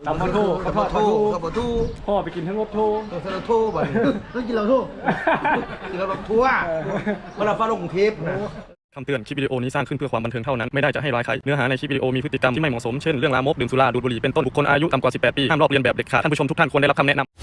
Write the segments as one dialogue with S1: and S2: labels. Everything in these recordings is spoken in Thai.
S1: ตำปลาทูข้าวทอดปลาทู
S2: ข้าวปลาทู
S1: พ่อไปกินทั้งรถทู
S2: เราทูบ่อยต้องกินเราทูกินเราแบบทั่วเวลาฟ้าลงกรุงเทพนะ
S3: คำเตือนคลิปวิดีโอนี้สร้างขึ้นเพื่อความบันเทิงเท่านั้นไม่ได้จะให้ร้ายใครเนื้อหาในคลิปวิดีโอมีพฤติกรรมที่ไม่เหมาะสมเช่นเรื่องลามกดื่มสุราดูดบุหรี่เป็นต้นบุคคลอายุต่ำกว่า18 ปีห้ามลอกเลียนแบบเด็ดขาดท่านผู้ชมทุกท่านควรได้รับคำแนะนำ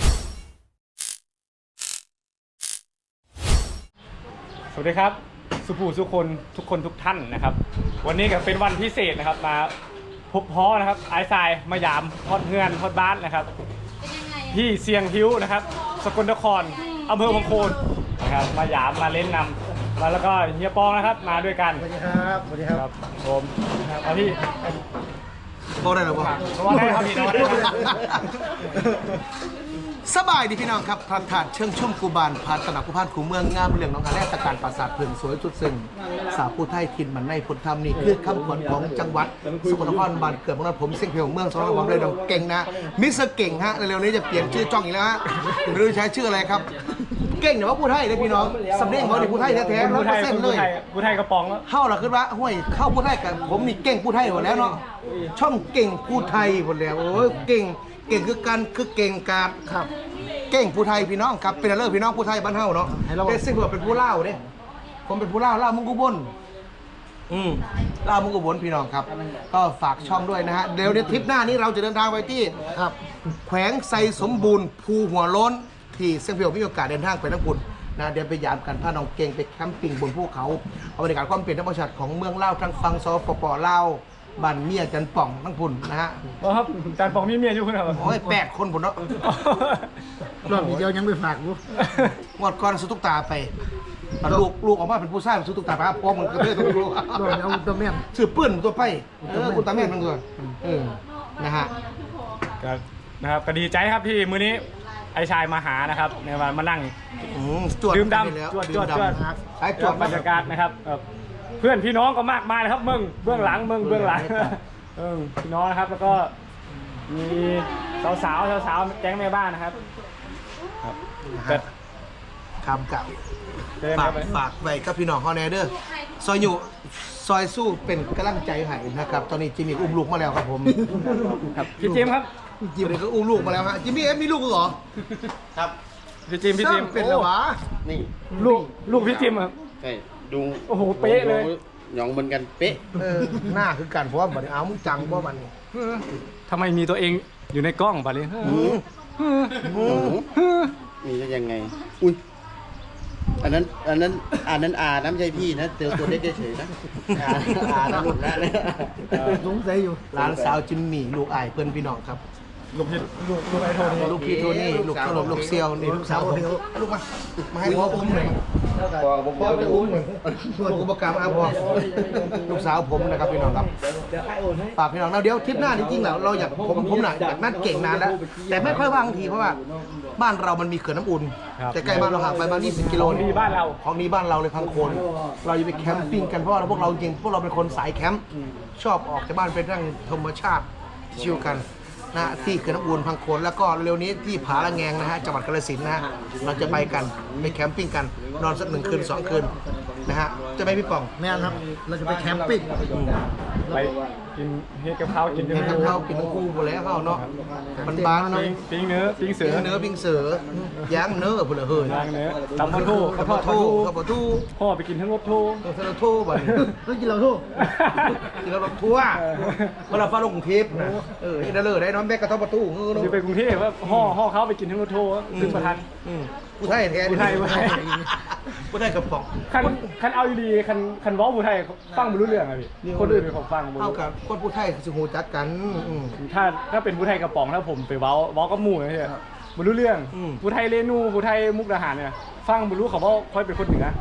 S1: สวัสดีครับสุภูทุกคนทุกท่านนะครับวันนี้ก็เป็นวันพิเศษนะครับมาพบพ้อนะครับไอซ์ทรายมายามทอดเฮือนทอดบ้านนะครับที่เซียงฮิ้วนะครับสกลนครอำเภอพังโคนนะครับมายามมาเล่นนำมาแล้วก็เฮียปองนะครับมาด้วยกัน
S2: สวัสดีครับสวัสดีครับ
S1: ผมครับพี่
S2: พอได้หรือเปล่า
S1: พอได้ครับพี่น้อง
S2: สบายดีพี่น้องครับพระธาตุเชิงชุ่มกูบานพาตนากุพานคูเมืองงามเรื่องน้องอาแรกตะการปราสาทเพิงสวยจุดซึ่งสาวผู้ไทยถิ่นมันในพุทธธรรมนี่คือคำขวัญของจังหวัดสกลนครบ้านเกิดของเราผมเสียงเพลงเมืองสองของเลยน้องเก่งนะมิสเตอร์เก่งฮะเร็วๆนี้จะเปลี่ยนชื่อจ้องอีกแล้วฮะไม่รู้ใช้ชื่ออะไรครับเก่งแต่ว่าผู้ไทยเลยพี่น้องสำเนียงเขาเนี่ยผู้ไทยแท้ๆ100%เลย
S1: ผู้ไทยกระป๋องแล้ว
S2: เข้าหรอคือว่าห้วยเข้าผู้ไทยกับผมนี่เก่งผู้ไทยหมดแล้วเนาะช่องเก่งผู้ไทยหมดแล้วโอ้ยเก่งคือกันคือเก่งการครับเก่งผู้ไทยพี่น้องครับเป็นอะไรพี่น้องผู้ไทยบ้านเฮาเนาะแต่ซึ่งผมเป็นผู้เล่าเด้ผมเป็นผู้เล่ามุงกุบลเล่ามุงกุบลพี่น้องครับก็ฝากช่องด้วยนะฮะเดี๋ยวในทริปหน้านี้เราจะเดินทางไปที่ครับแขวงไซสมบูรณ์ภูหัวโล้นที่เซียงเพียวมีโอกาสเดินทางไปทั้งปุ่นนะเดี๋ยวไปยามกันพาน้องเก่งไปแคมปิ้งบนภูเขาเอาบรรยากาศความเป็นธรรมชาติของเมืองเล่าทางฝั่งสปปลาวบ้านเมียจันป่องทั้งพุ่นนะฮะ
S1: ครับจันป่องมีเมียอยู่คุณครับ
S2: โอ้ย8 คนพุ่นเนาะ
S4: รอบนี้เดียวยังไม่ฝากกู
S2: งวดก่อนสุตุกตาไปลูกออกมาเป็นผู้ชายสุตุกตาไปครับพ่อมันก็เพื่อนตัวลูก
S4: รอบนี้เอาตัวแม่
S2: สืบปื้นตัวไปคุณตาแม่มันตัวนะฮะ
S1: นะครับก็ดีใจครับที่มื้อนี้ไอ้ชายมาหานะครับในวันมานั่งดื่มดำจวดบรรยากาศนะครับเพื่อนพี่น้องก็มากมายนะครับเบื้องหลังพี่น้องนะครับแล้วก็มีสาวแก๊งแม่บ้านนะครับ
S2: คำกับฝากไว้กับพี่น้องเขาแน่เด้อซอยอยู่ซอยสู้เป็นกำลังใจให้นะครับตอนนี้จิมมี่อุ้มลูกมาแล้วครับผม
S1: ครับพี่จิมครับ
S2: จิมมี่ก็อุ้มลูกมาแล้วฮะจิมมี่มีลูกเหรอ
S5: ครับ
S1: พี่จิม
S2: เป็นเหรอวะ
S5: นี่
S1: ลูกพี่จิมครับ
S5: ใช่ดู
S1: โอ้โหเป๊ะเลย
S5: หยองเหมือนกันเป๊ะ
S2: หน้าคือกันเพราะว่าบัดเอามึงจังเพราะมัน
S1: ทำไมมีตัวเองอยู่ในกล้องบัดนี้
S5: มีจะยังไงอุ้ยอันนั้นน้ำใจพี่นะเจอตัวเล็กเฉยๆนะนะหลุดแล้วเนี่ย
S4: สงสัยอยู่
S2: หลานสาวจิมมี่ลูกอ้ายเพื่อนพี่น้องครับ
S1: ลูกไอ้โทนี่
S2: ลูกพี่โทนี่ลูกขนมลูกเซียวนี่ลูกสาวผมลูกมาให้พ่ออุ้มหน่อยพ่อจะอุ้มหน่อยลูกอุปการมาพ่อลูกสาวผมนะครับพี่น้องครับฝากพี่น้องเดี๋ยวทริปหน้าจริงๆแล้วเราอยากผมน่ะอยากนั่นเก่งนานแล้วแต่ไม่ค่อยว่างทีเพราะว่าบ้านเรามันมีเขื่อนน้ำอุ่นแต่ใกล้บ้านเราห่างไปประมาณ20 กิโล
S1: ของนี้บ้าน
S2: เราเลยพังโคนเราจะไปแคมปิ้งกันเพราะว่าพวกเราจริงพวกเราเป็นคนสายแคมป์ชอบออกจากบ้านไปนั่งธรรมชาติชิลกันนะที่เขื่อนน้ำอุ่นพังโคนแล้วก็เร็วนี้ที่ผาละแงงนะฮะจังหวัดกาฬสินธุ์นะฮะเราจะไปกันไปแคมปิ้งกันนอนสัก1 คืน 2 คืนนะฮะจะไปพี่ป่อง
S4: แม่ครับเราจะไปแคมปิ้ง
S1: ไปกินเฮ็ดกับข้าวกิน
S2: ทั้งข้าวกินทั้งคู่หมดแล้วข้าวเนาะมันบางเนาะ
S1: ปิ้งเนื้อปิ้งเสื
S2: อย่างเนื้อพุ่นละเฮ้ย
S1: ย่างเนื้อตำปลาทูข้าว
S2: ปลาทู
S1: พ่อไปกินทั้งรถทู
S2: บ่
S4: ต้องกินเราทู
S2: กินเราทั่วเวลาฟ้าลงกรุงเทพนะได้เลยได้น้องแบกกระทบประตู
S1: เนาะไปกรุงเทพว่าห่อเขาไปกินทั้งรถทูซึ่งประธาน
S2: ผู้ไทยแท้ผู้ไทยกับป่อง
S1: คันเอาดีคันว้าผู้ไทยฟังไม่รู้เรื่องอะพี่คนอื่นเป็นของฟัง
S2: เท่ากับคนผู้ไทยคือหูจักกัน
S1: ถ้าเป็นผู้ไทยกระป๋องถ้าผมไปว้าก็หมู่นะใช่ไม่รู้เรื่องผู้ไทยเรนูผู้ไทยมุกดาหารเนี่ยฟังไม่รู้เขาว่าค่อยเป็นคนเหนือ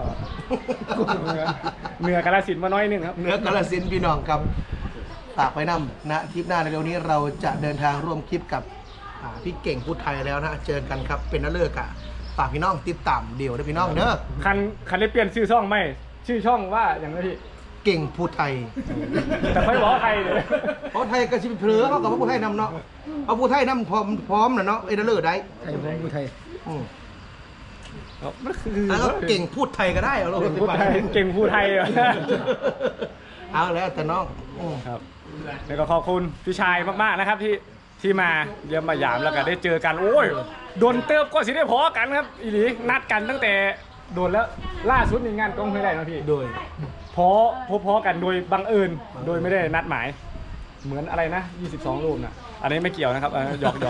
S1: เหนือกาฬสินธุ์มาน้อยนึงครับ
S2: เหนือกาฬสินธุ์พี่น้องครับฝากไปนำนะทริปหน้าในเร็วนี้เราจะเดินทางร่วมคลิปกับพี่เก่งพูดไทยแล้วนะเจอกันครับเป็นนักเลิกอะฝากพี่น้องติดตามเดี๋ยวนะพี่น้องเด้อ
S1: คันได้เปลี่ยนชื่อช่องไหมชื่อช่องว่าอย่างไรพี่
S2: เก่งพูดไทย
S1: แต่ไม่บอกไทยเลย
S2: เพราะไทยก็ชิบเผลอเขากับพูดไทยนำเนาะเอาพูดไทยนำพร้อมนะเนาะเอเดอร์ได้
S4: ไทยพูดไทย
S2: แล้วก็เก่งพูดไทยก็ได้เอา
S1: เก่งพูดไทย
S2: เอาแล้วแต่น้อง
S1: ครับแล้วก็ขอบคุณพี่ชายมากๆนะครับที่ที่มาเยี่ยมมายามแล้วก็ได้เจอกันโอ้ยโดนเติบก็สิได้พอกันครับอีหลีนัดกันตั้งแต่โดนแล้วล่าสุดในงานกองห้วยไร่นะพี่
S2: โดย
S1: พอกันโดยบังเอิญโดยไม่ได้นัดหมาย เหมือนอะไรนะ22 รูปน่ะอันนี้ไม่เกี่ยวนะครับหยอก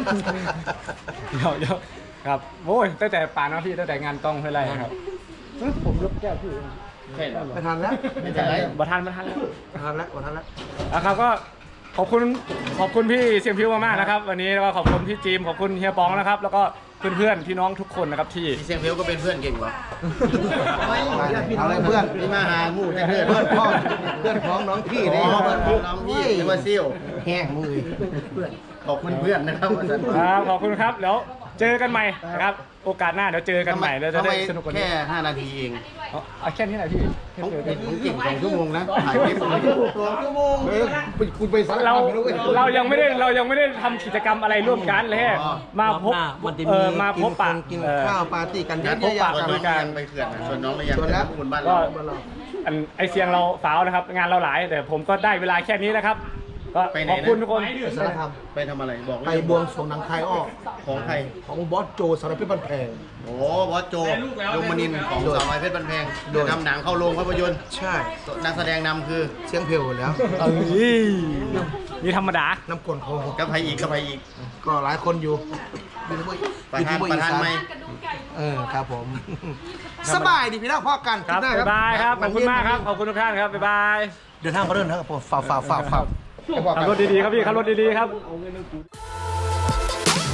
S1: ครับโอ้ยตั้งแต่ป่านนะพี่ตั้งแต่งานกองห้วยไร่ครับผมยกแก้วพี่
S2: ไปทานแล้ว
S5: ไม่เป็นไร
S1: บัทันแล้ว
S2: ทานแล้วทานแล้ว
S1: นะครับก็ขอบคุณพี่เสียงพิวมากๆนะครับวันนี้แล้วก็ขอบคุณพี่จีมขอบคุณเฮียปองนะครับแล้วก็เพื่อนๆพี่น้องทุกคนนะครับที่
S5: พี่เสียงเพลก็เป็นเพื่อนเก่งวะ
S2: เอาเลยเพื่อน
S5: นี่มาหาหมู่แต่เพื่อน
S2: เพื่อนพ่อเพื่อนพ้องน้องพี่
S5: อ๋
S2: นี่
S5: อเพื่อนของน้องพี่เรียกว่าซิ่ว
S2: แห้งมือ
S5: ขอบคุณเพื่อนนะครับอาจารย์
S1: ครับขอบคุณครับแล้วเจอกันใหม่นะครับโอกาสหน้าเดี๋ยวเจอกันใหม่เดี๋ยวจะได้สนุกกว่านี้
S5: แค่5 นาทีเอง
S1: เอาแค่นี้แหละพี่
S5: ผมเก่ง2 ชั่วโมงนะถ่ายคลิป2 ชั่วโมง
S2: คุณไปสัก
S1: เรายังไม่ได้ทำกิจกรรมอะไรร่วมกันเลยมาพบมาพบปะ
S2: กินข้าวปาร์ตี้กัน
S5: งาน
S2: เย
S5: พ
S2: อะ
S5: บ
S2: แยะ
S5: ปะส่วนน้องยังไปเขื่อนส่วนน้องเลยยังไปบุญบ้าน
S1: ก็
S5: เรา
S1: ไอเสียงเราสาวนะครับงานเราหลายแต่ผมก็ได้เวลาแค่นี้นะครับก็ขอบคุณทุกคน
S2: สารคาม
S5: ไปทำอะไรบอก
S2: ไปบวงสรวงหนังคายอ้อ
S5: ของใคร
S2: ของบอสโจสารพิษบันแพง
S5: โอ้บอสโจยงมนินทร์ของสาวน้อยเพชรบันแพงนำหนังเข้าโรงภาพยนตร์
S2: ใช่
S5: นักแสดงนำคือ
S2: เสียงเพลวแล้ว
S1: นี่ธรรมดา
S2: น้ำกลนโค
S5: กับใครอีกกับใครอีก
S2: ก็หลายคนอยู่
S5: ประธานไหม
S2: ครับผม สบายดีพี่น้องพ่อกัน
S1: ครับบ๊ายบายครับขอบคุณมากครับขอบคุณทุกท่านครับบ๊ายบาย
S2: เดินทางก็เดินนะครับผมฝ่า
S1: ขับรถดีๆครับพี่ขับรถดีๆครับ